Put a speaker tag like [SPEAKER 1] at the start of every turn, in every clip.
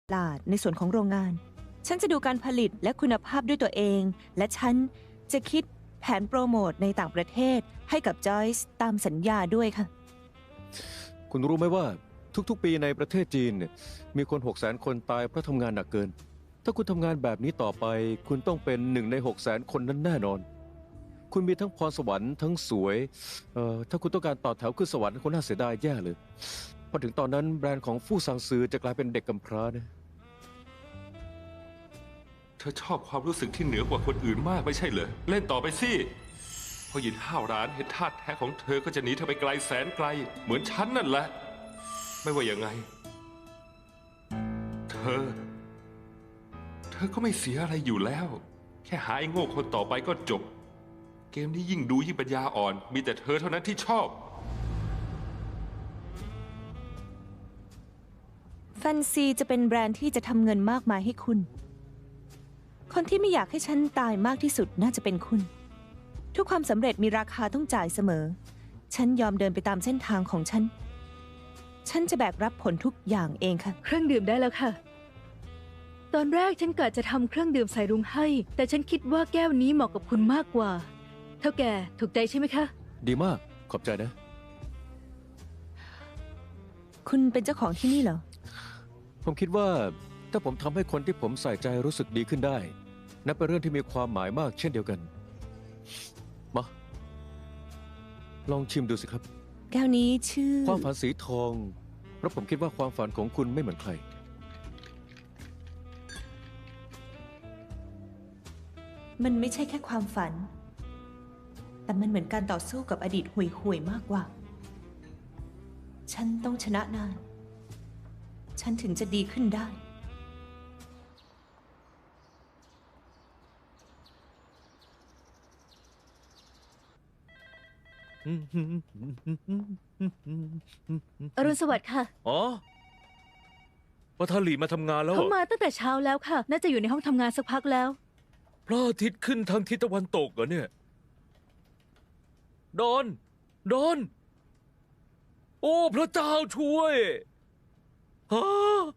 [SPEAKER 1] ตลาดในส่วนของโรงงานฉันจะดูการผลิตและคุณภาพด้วยตัวเองและฉันจะคิดแผนโปรโมทในต่างประเทศให้กับจอยส์ตามสัญญาด้วยค่ะ
[SPEAKER 2] คุณรู้ไหมว่าทุกๆปีในประเทศจีนเนี่ยมีคน 600,000 คนตายเพราะทำงานหนักเกินถ้าคุณทำงานแบบนี้ต่อไปคุณต้องเป็น1 ใน 600,000 คนนั้นแน่นอนคุณมีทั้งพรสวรรค์ทั้งสวยถ้าคุณต้องการต่อแถวขึ้นสวรรค์คุณน่าเสียดายแย่เลยพอถึงตอนนั้นแบรนด์ของฟู่ซางซือจะกลายเป็นเด็กกำพร้านะ
[SPEAKER 3] เธอชอบความรู้สึกที่เหนือกว่าคนอื่นมากไม่ใช่เหรอเล่นต่อไปสิพอหยินห้าวร้านเห็นท่าแท้ของเธอก็จะหนีเธอไปไกลแสนไกลเหมือนฉันนั่นแหละไม่ว่ายังไงเธอก็ไม่เสียอะไรอยู่แล้วแค่หาไอ้โง่คนต่อไปก็จบเกมนี้ยิ่งดูยิ่งปัญญาอ่อนมีแต่เธอเท่านั้นที่ชอบ
[SPEAKER 1] แฟนซีจะเป็นแบรนด์ที่จะทำเงินมากมายให้คุณคนที่ไม่อยากให้ฉันตายมากที่สุดน่าจะเป็นคุณทุกความสำเร็จมีราคาต้องจ่ายเสมอฉันยอมเดินไปตามเส้นทางของฉันจะแบกรับผลทุกอย่างเองค่ะ
[SPEAKER 4] เครื่องดื่มได้แล้วค่ะตอนแรกฉันกะจะทำเครื่องดื่มใส่รุ้งให้แต่ฉันคิดว่าแก้วนี้เหมาะกับคุณมากกว่าเท่าแก่ถูกใจใช่ไหมคะ
[SPEAKER 2] ดีมากขอบใจนะ
[SPEAKER 1] คุณเป็นเจ้าของที่นี่เหรอ
[SPEAKER 2] ผมคิดว่าถ้าผมทำให้คนที่ผมใส่ใจรู้สึกดีขึ้นได้นับเป็นเรื่องที่มีความหมายมากเช่นเดียวกันมาลองชิมดูสิครับ
[SPEAKER 1] แก้วนี้ชื่อ
[SPEAKER 2] ความฝันสีทองเพราะผมคิดว่าความฝันของคุณไม่เหมือนใคร
[SPEAKER 1] มันไม่ใช่แค่ความฝันแต่มันเหมือนการต่อสู้กับอดีตห่วยๆมากกว่าฉันต้องชนะนายฉันถึงจะดีขึ้นได้
[SPEAKER 4] อรุณสวัสดิ์ค่ะ
[SPEAKER 5] อ๋อประธานหลีมาทำงานแล้วเหร
[SPEAKER 4] เขา
[SPEAKER 5] อ
[SPEAKER 4] มาตั้งแต่เช้าแล้วค่ะน่าจะอยู่ในห้องทำงานสักพักแล้ว
[SPEAKER 5] พระอาทิตย์ขึ้นทางทิศตะวันตกเหรอเนี่ยดอนโอ้พระเจ้าช่วยฮะ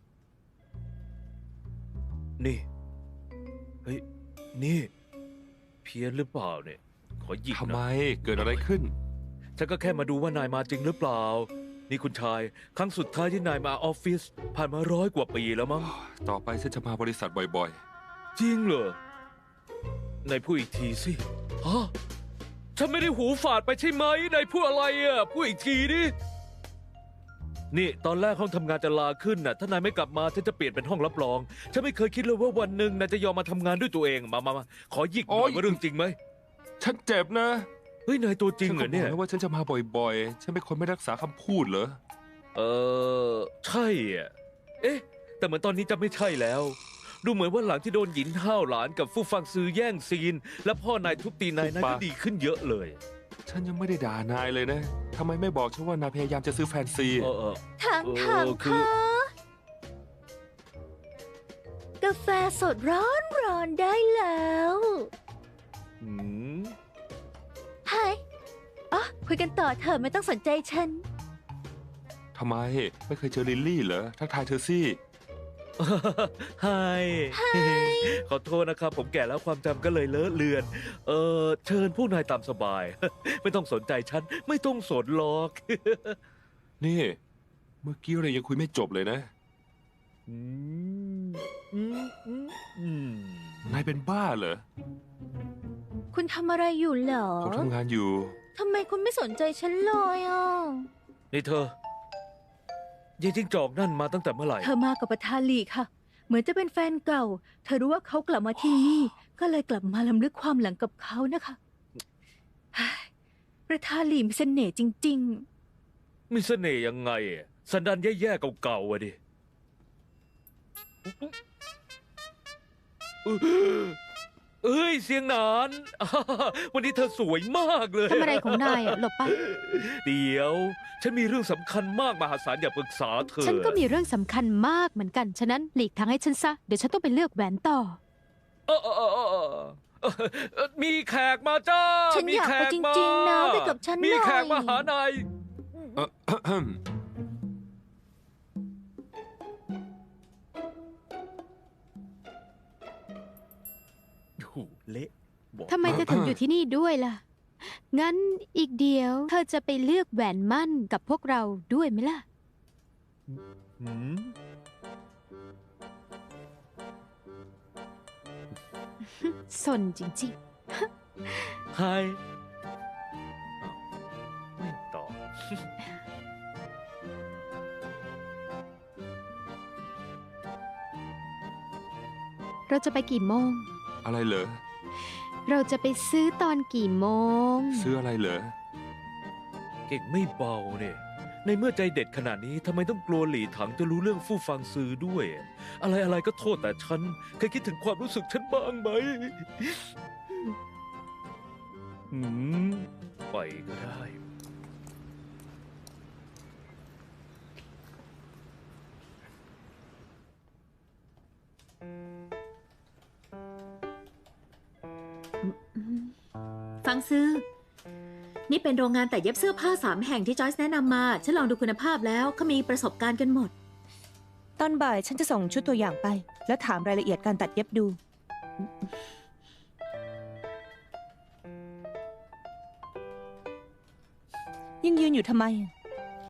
[SPEAKER 5] นี่เฮ้ยนี่เพี้ยนหรือเปล่าเนี่ยขอหยิก
[SPEAKER 3] ทำไม
[SPEAKER 5] นะ
[SPEAKER 3] เกิดอะไรขึ้น
[SPEAKER 5] ฉันก็แค่มาดูว่านายมาจริงหรือเปล่านี่คุณชายครั้งสุดท้ายที่นายมาออฟฟิศผ่านมา100 กว่าปีแล้วมั้ง
[SPEAKER 3] ต่อไปฉันจะมาบริษัทบ่อย
[SPEAKER 5] จริงเหรอไหนพูดอีกทีสิฮะฉันไม่ได้หูฝาดไปใช่ไหมไหนพูดอะไรอ่ะพูดอีกทีดินี่ตอนแรกห้องทำงานจะลาขึ้นน่ะถ้านายไม่กลับมาฉันจะเปลี่ยนเป็นห้องรับรองฉันไม่เคยคิดเลยว่าวันหนึ่งนายจะยอมมาทำงานด้วยตัวเองมาขอหยิกหน่อยว่าเรื่องจริงไหม
[SPEAKER 3] ๆ ฉันเจ็บนะ
[SPEAKER 5] เฮ้ยนายตัวจริงเหรอเนี่ย
[SPEAKER 3] ฉันก็บอกแล้วว่าฉันจะมาบ่อยๆ ฉันเป็นคนไม่รักษาคำพูดเหรอ
[SPEAKER 5] ใช่อ่ะเอ๊ะแต่เหมือนตอนนี้จะไม่ใช่แล้วดูเหมือนว่าหลังที่โดนหยินห้าวหลานกับฟู่ฟังซือแย่งซีน และพ่อนายทุบตีนายก็ดีขึ้นเยอะเลย
[SPEAKER 3] ฉันยังไม่ได้ด่านายเลยนะทำไมไม่บอกฉันว่านายพยายามจะซื้อแฟนซี
[SPEAKER 4] ถาม
[SPEAKER 5] คือ
[SPEAKER 4] ค่ะกาแฟสดร้อนได้แล้ว
[SPEAKER 5] อืม
[SPEAKER 4] ไฮอ๋อคุยกันต่อเถอะไม่ต้องสนใจฉัน
[SPEAKER 3] ทำไมไม่เคยเจอลิลลี่เหรอทักทายเธอสิ
[SPEAKER 5] ไฮขอโทษนะครับ ผมแก่แล้วความจำก็เลยเลอะเลือน เชิญพวกนายตามสบาย ไม่ต้องสนใจฉัน ไม่ต้องสนหรอก
[SPEAKER 3] นี่ เมื่อกี้เรายังคุยไม่จบเลยนะ
[SPEAKER 5] อืมอืมอืมอืม
[SPEAKER 3] นายเป็นบ้าเหรอ
[SPEAKER 4] คุณทำอะไรอยู่เหรอ
[SPEAKER 3] ผมทำงานอยู่
[SPEAKER 4] ทำไมคุณไม่สนใจฉันเลยอ่ะ
[SPEAKER 5] นี่เธอ ยายจิ้งจอกนั่นมาตั้งแต่เมื่อไหร่
[SPEAKER 4] เธอมากับประธานหลีค่ะ เหมือนจะเป็นแฟนเก่า เธอรู้ว่าเขากลับมาที่นี่ ก็เลยกลับมาลำลึกความหลังกับเขานะคะเฮ้ยประธานหลีมีเสน่ห์จริง
[SPEAKER 5] มีเสน่ห์ยังไงอะสันดานแย่ๆเก่าๆอะดิเอ้ยเสียงหนาน วันนี้เธอสวยมากเลย
[SPEAKER 4] ๆทำอะไรของนายอ่ะหลบไป
[SPEAKER 5] เดี๋ยว ฉันมีเรื่องสำคัญมากมหาศาลอย่าปรึกษาเธอ
[SPEAKER 6] ฉันก็มีเรื่องสำคัญมากเหมือนกัน ฉะนั้นหลีกทางให้ฉันซะ เดี๋ยวฉันต้องไปเลือกแหวนต่อ
[SPEAKER 5] มีแขกมาจ้า
[SPEAKER 4] ฉัน
[SPEAKER 5] มี
[SPEAKER 4] อยาก
[SPEAKER 5] แข
[SPEAKER 4] ไป
[SPEAKER 5] ก
[SPEAKER 4] จ
[SPEAKER 5] มา
[SPEAKER 4] ริงๆนะไปกับฉันหน่อย
[SPEAKER 5] มีแขกมาหานาย
[SPEAKER 3] เอ่อ
[SPEAKER 5] เละบอก
[SPEAKER 6] ทำไมเธอถึงอยู่ที่นี่ด้วยล่ะ งั้นอีกเดียวเธอจะไปเลือกแหวนมั่นกับพวกเราด้วยไหมล่ะ
[SPEAKER 5] หืม
[SPEAKER 6] สนจริง
[SPEAKER 5] ไฮอ้าวไม่ตอบ
[SPEAKER 6] ๆ เราจะไปกี่โมง
[SPEAKER 3] อะไรเหรอ
[SPEAKER 6] เราจะไปซื้อตอนกี่โมง
[SPEAKER 3] ซื้ออะไรเหรอ
[SPEAKER 5] เก่งไม่เบาเนี่ย ในเมื่อใจเด็ดขนาดนี้ทำไมต้องกลัวหลีถังจะรู้เรื่องฟู่ฟังซื้อด้วย อะไรก็โทษแต่ฉัน เคยคิดถึงความรู้สึกฉันบ้างไหม หืม ไปก็ได้
[SPEAKER 7] ฟังซื้อ นี่เป็นโรงงานแต่เย็บเสื้อผ้า3 แห่งที่จอยส์แนะนำมา ฉันลองดูคุณภาพแล้วเขามีประสบการณ์กันหมด
[SPEAKER 1] ตอนบ่ายฉันจะส่งชุดตัวอย่างไป แล้วถามรายละเอียดการตัดเย็บดู ยังยืนอยู่ทำไมอะ